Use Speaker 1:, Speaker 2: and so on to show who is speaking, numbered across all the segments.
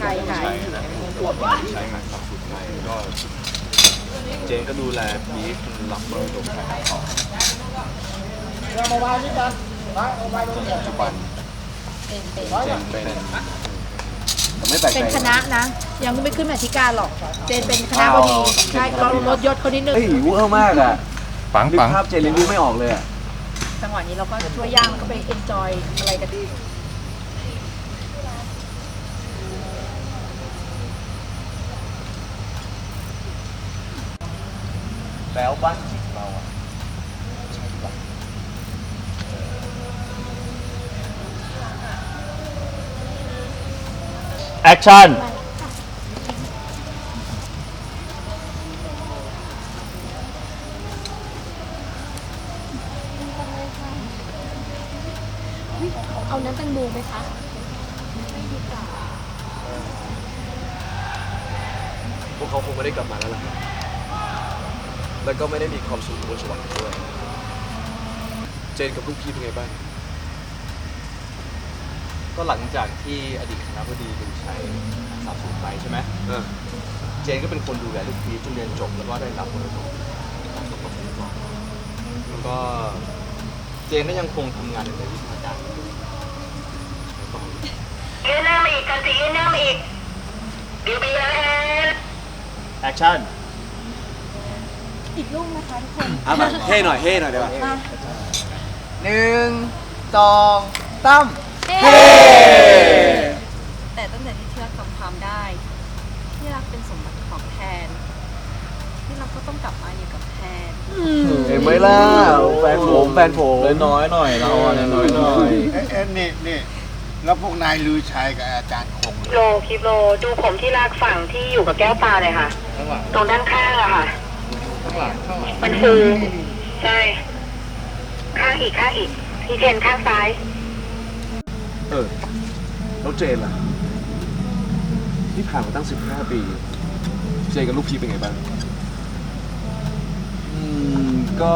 Speaker 1: ชัยค่ะ
Speaker 2: ใช้งานสับสุดไทยก็เจนก็ดูแลบีฟรับมรดกไทยต่อปัจจุบันเจนเป็นไม่แปลกใจ
Speaker 1: เป็นคณะนะ ยังไม่ขึ้นมาธิการหรอก เจนเป็นคณะบดีใช่เราลดยศเขานิดนึง
Speaker 3: เฮ้ยเวอร์มากอ่ะ
Speaker 2: ปัง
Speaker 3: นึกภาพเจนเลยนึกไม่ออกเลยอ่ะ
Speaker 1: จังหวะนี้เราก็ช่วยย่างแล้วก็ไปเอนจอยอะไรกันดี
Speaker 3: แล้วบ้านจิตเราอ่ะ
Speaker 4: แอคชั่น
Speaker 5: เอาน้ำแตงโมไหมคะ
Speaker 2: พวกเขาคงไม่ได้กลับมาแล้วล่ะครับแล้วก็ไม่ได้มีความสุขบนสวรรค์ด้วยเจนกับลูกพี่เป็นไงบ้าง
Speaker 3: ก็หลังจากที่อดีตคณบดีดุชัยสาบสูญไปใช่ไหมเจนก็เป็นคนดูแลลูกพีชจนเรียนจบแล้วก็ได้รับมรดกของสมบัติก่อนแล้วก็เจนก็ยังคงทำงานในวิชาการอยู่
Speaker 6: ยืนหน้ามาอีกกันสิยืนหน้ามาอีกบิวไปยัง
Speaker 4: แอคชั่น
Speaker 5: อีกลูกนะคะทุกคน
Speaker 3: อ่ะแบบเท่หน่อยเดี๋ยว
Speaker 5: มา
Speaker 3: 1 2 3
Speaker 5: เฮ้
Speaker 7: แต่ตั้งแต่ที่ที่รักจำความได้ ที่รักเป็นสมบัติของแทน ที่รักก็ต้องกลับมาอยู่กับแทน
Speaker 3: เห็นไหมล่ะแฟนผม
Speaker 4: น้อยหน่อยเราอ่ะน้อยหน่อย
Speaker 8: นี่แล้วพวกนายลือชัยกับอาจารย์คง
Speaker 6: โลคลิปโลดูผมที่ลากฝั่งที่อยู่กับแก้วปลาเลยค่ะ ตรงด้านข้างอะค่ะมันคือใช่ข้างอีกที่เทนข้างซ้าย
Speaker 2: แล้วเจนล่ะที่ผ่านมาตั้ง15 ปีเจนกับลูกพี่เป็นไงบ้าง
Speaker 3: ก็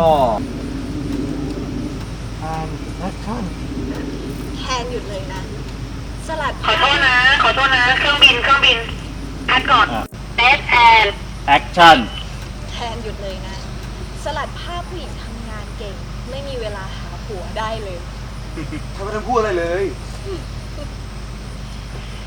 Speaker 5: แทนหยุดเลยนะ สลัด
Speaker 6: ขอโทษนะ เครื่องบินพัดก่อนเอสแอน
Speaker 4: แอคชั่น
Speaker 5: แทนหยุดเลยนะ สลัดภาพผู้หญิงทำงานเก่ง ไม่มีเวลาหาผัวได้เลย
Speaker 3: ทำไมต้องพูดอะไรเลย
Speaker 5: เ